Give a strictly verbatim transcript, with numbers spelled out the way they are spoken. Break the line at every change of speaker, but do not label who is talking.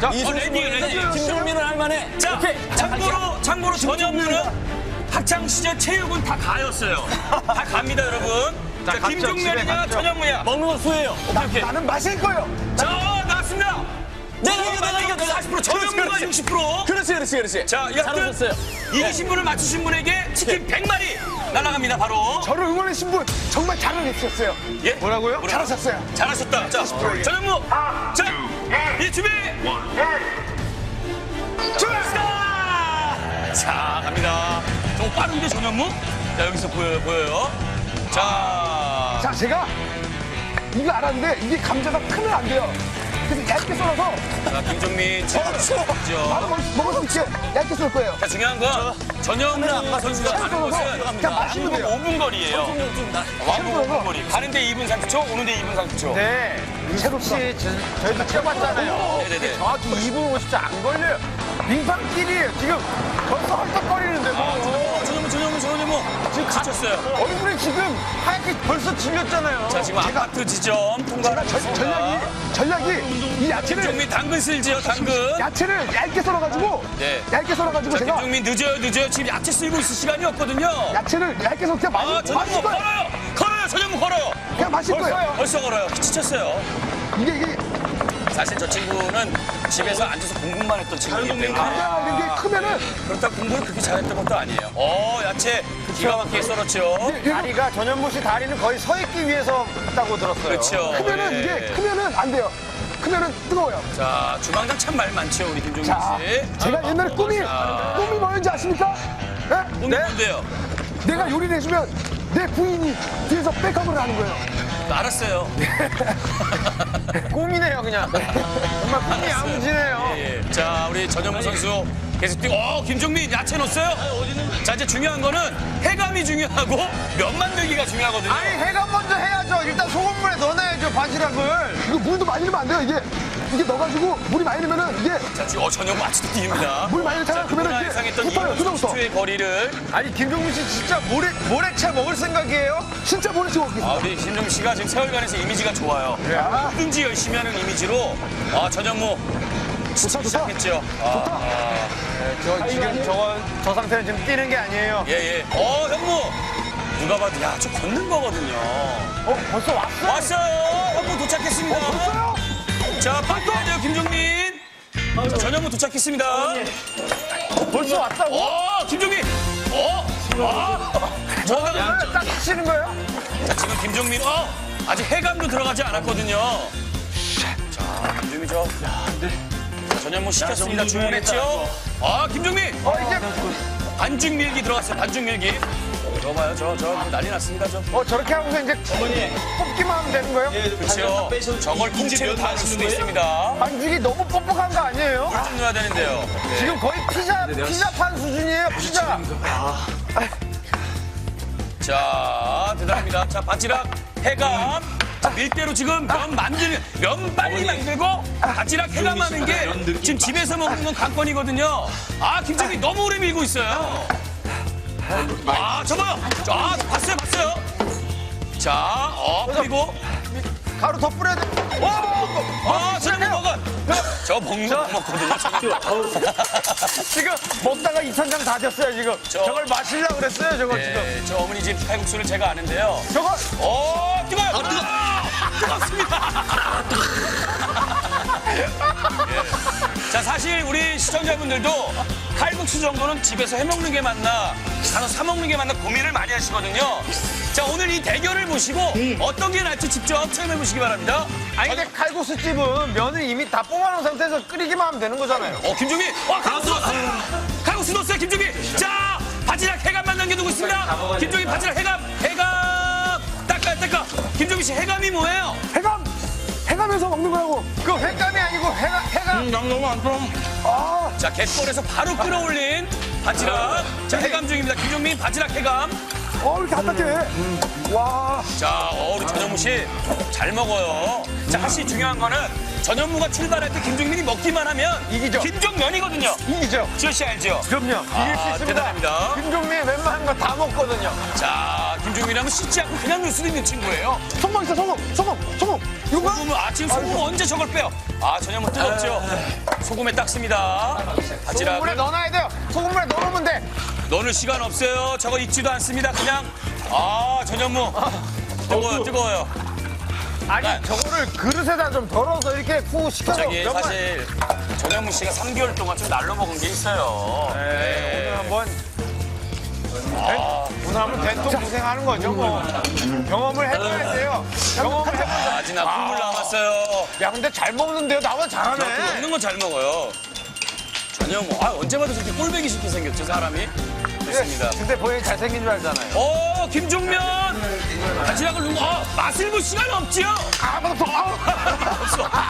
자,
이승
레디, 레디.
김종민은 할만해.
자,
오케이.
참고로, 참고로 전현무는 학창시절 체육은 다 가였어요. 다 갑니다, 여러분. 자,
갔죠,
김종면이냐,
집에 갔죠.
전현무냐.
먹는 거 수예요.
오케이, 오케이.
나는 마실 거예요.
자, 나왔습니다.
내가 이겨, 내가 이겨, 내가.
사십 퍼센트, 전현무가
그렇지,
육십 퍼센트.
그렇지, 그렇지, 그렇지.
자,
잘
이학들
오셨어요.
이기신 분을 맞추신 분에게 치킨 백 마리 날아갑니다, 바로.
저를 응원해주신 분 정말 잘해주셨어요.
예?
뭐라고요?
뭐라고?
잘하셨어요.
잘하셨다. 자, 전현무. 자, 이 준비. 출발! 자, 갑니다. 좀 빠른데, 전현무? 자, 여기서 보여요, 보여요. 자,
자, 제가 이거 알았는데 이게 감자가 크면 안 돼요. 그래서 얇게 썰어서
자, 김종민. 그렇죠.
바로 먹을, 먹을 수 있게 얇게 썰 거예요.
자, 중요한 건 전현무 선수가 가는
썰어서
것은
그냥 마시면 돼요.
오 분 거리예요. 왕복 오 분 거리. 가는데 이 분 삼십 초, 오는데 이 분 삼십 초.
네. 혹시 저희도 뛰어봤잖아요.
네네네.
정확히 이 분 오십 초 안 걸려요. 빙판길이에요. 지금 벌써 헐떡거리는데도.
전현무, 전현무, 전현무. 지금 갇혔어요.
얼굴이 지금 하얗게 벌써 질렸잖아요.
자, 지금 아파트 지점 통과를
제가 전- 전략이, 전략이 이 야채를,
김종민 당근 쓸지요, 당근.
야채를 얇게 썰어가지고,
네.
얇게 썰어가지고
자,
제가
김종민 늦어요, 늦어요. 지금 야채 쓸고 있을 시간이 없거든요.
야채를 얇게 썰어 그냥
아,
마실, 마실
전현무
거예요.
걸어요. 걸어요, 전현무 걸어요.
그냥 마실 거예요.
벌써 걸어요. 지쳤어요.
이게, 이게
사실 저 친구는 집에서 앉아서 공부만 했던 친구이기 때문에
감자 이런 게 크면은
그렇다고 공부를 그렇게 잘했던 것도 아니에요. 어, 야채 기가 막히게 썰었죠.
다리가 전현무 씨 다리는 거의 서 있기 위해서 했다고 들었어요.
그렇죠.
크면은
예.
이게 크면은 안 돼요. 크면은 뜨거워요.
자, 주방장 참 말 많죠, 우리 김종민
자,
씨.
제가 옛날에 꿈이
자.
꿈이 뭐였는지 아십니까? 네?
오늘 뭔데요?
내가 요리를 해주면 내 부인이 뒤에서 백업을 하는 거예요.
알았어요.
꿈이네요, 그냥. 정말 꿈이 야무지네요.
예, 예. 자, 우리 전현무 선수 계속 뛰고, 어, 김종민 야채 넣었어요? 자, 이제 중요한 거는 해감이 중요하고 면 만들기가 중요하거든요.
아니, 해감 먼저 해야죠. 일단 소금물에 넣어놔야죠, 바지락을. 이거 물도 많이 넣으면 안 돼요, 이게. 이게 넣어가지고 물이 많이 넣으면은 이게
자, 지금 어, 전현무 아직도 뛰입니다.
물 많이 넣잖아요. 그러면은 이게
예상했던
붙어요,
삼십
그다음부터.
초의 거리를.
아니, 김종민 씨 진짜 모래, 모래채 먹을 생각이에요? 진짜 모래채 먹겠습니다.
아, 우리 김종민 씨가 지금 세월간에서 이미지가 좋아요. 뭐든지 열심히 하는 이미지로 아, 전현무
좋다, 좋다.
시작했죠. 아,
저 지금 저건, 저 상태는 지금 뛰는 게 아니에요.
예, 예. 어, 현무. 누가 봐도 야, 저 걷는 거거든요.
어, 벌써 왔어?
왔어요. 현무 도착했습니다.
왔어요?
자, 빨리 가야 돼요, 김종민. 자, 전현무 도착했습니다.
벌써 왔다고?
어, 김종민. 어, 아, 저가
딱 치는 거예요?
자, 지금 김종민. 어, 아직 해감도 들어가지 않았거든요. 자, 김종민 저. 자, 전현무 시켰습니다. 주문했죠. 아, 김종민.
어, 이제,
반죽 밀기 들어갔어요. 반죽 밀기. 저 봐요, 저, 저 난리 났습니다, 저.
어, 저렇게 하고서 이제 뽑기만 하면 되는 거예요?
그렇죠. 저걸 통째로 다 넣을 수도 있습니다.
반죽이 너무 뻑뻑한 거 아니에요?
좀 넣어야 되는데요. 네.
지금 거의 피자, 피자판 수준이에요, 피자.
자, 대단합니다. 자, 바지락, 해감. 자, 밀대로 지금 면 만들, 면 빨리 만들고 바지락 해감하는 게 지금 집에서 먹는 건 관건이거든요. 아, 김정민 너무 오래 밀고 있어요. 아, 저 봐요. 아, 봤어요, 봤어요. 자, 어, 그리고.
가루 더 뿌려야 돼.
아, 저녁 먹어. 저 먹는 거 먹거든요.
지금 먹다가 이 천장 다 됐어요, 지금.
저-
저걸 마시려고 그랬어요, 저거 지금.
네, 저 어머니 집 칼국수를 제가 아는데요.
저거,
오, 뜨거워요. 아, 뜨거. 뜨겁습니다. 예. 자, 사실 우리 시청자분들도 칼국수 정도는 집에서 해먹는 게 맞나, 가서 사 먹는 게 맞나 고민을 많이 하시거든요. 자, 오늘 이 대결을 보시고 어떤 게 나을지 직접 체험해 보시기 바랍니다.
아니, 근데 칼국수집은 면을 이미 다 뽑아놓은 상태에서 끓이기만 하면 되는 거잖아요.
어, 김종민. 어, 칼국수 넣었어요. 칼국수 넣었어요, 김종민. 자, 바지락 해감만 남겨두고 있습니다. 김종민 바지락 해감, 해감. 닦아, 닦아. 김종민 씨 해감이 뭐예요?
해감! 해감해서 먹는 거라고. 그 횟감이 아니고 해가, 해감.
너무 안 좀.
아,
자, 갯벌에서 바로 끌어올린 바지락. 자, 해감 중입니다. 김종민 바지락 해감.
어, 이렇게 안 닦게. 와.
자, 어, 우리 전현무 씨 잘 먹어요. 자, 사실 중요한 거는 전현무가 출발할 때 김종민이 먹기만 하면
이기죠.
김종면이거든요.
이기죠.
지효 씨 알죠?
그럼요. 이길 수
아,
있습니다.
대단합니다.
김종민 웬만한 거 다 먹거든요.
자, 김종민이라면 씻지 않고 그냥 넣을 수도 있는 친구예요.
소금 있어, 소금, 소금, 소금. 이거 봐.
소금을, 아, 지금 소금 언제 저걸 빼요? 아, 전현무 뜨겁죠? 소금에 닦습니다.
소금물에
바지락을
넣어놔야 돼요. 소금물에 넣어놓으면 돼.
넣을 시간 없어요. 저거 익지도 않습니다. 그냥 아 전현무 뜨거워요, 뜨거워요.
아니
네.
저거를 그릇에다 좀 덜어서 이렇게 푹 식혀서
저기
몇 번-
사실 전현무 씨가 삼 개월 동안 좀 날로 먹은 게 있어요.
네, 오늘 한번 된- 오늘 한번 된통 고생하는 거죠 뭐. 경험을 해봐야 돼요. 경험을 해봐.
아, 아직 나 국물 남았어요.
야 근데 잘 먹는데요. 나보다 잘하네.
먹는 건 잘 먹어요. 전현무, 아 언제 봐도 저렇게 꼴배기 쉽게 생겼죠 사람이. 좋습니다.
근데 본인이 잘생긴 줄 알잖아요.
오 김종면 바지락을 누구? 아 맛을 볼 시간 없지요.
아, 맞았어. 아,
없어.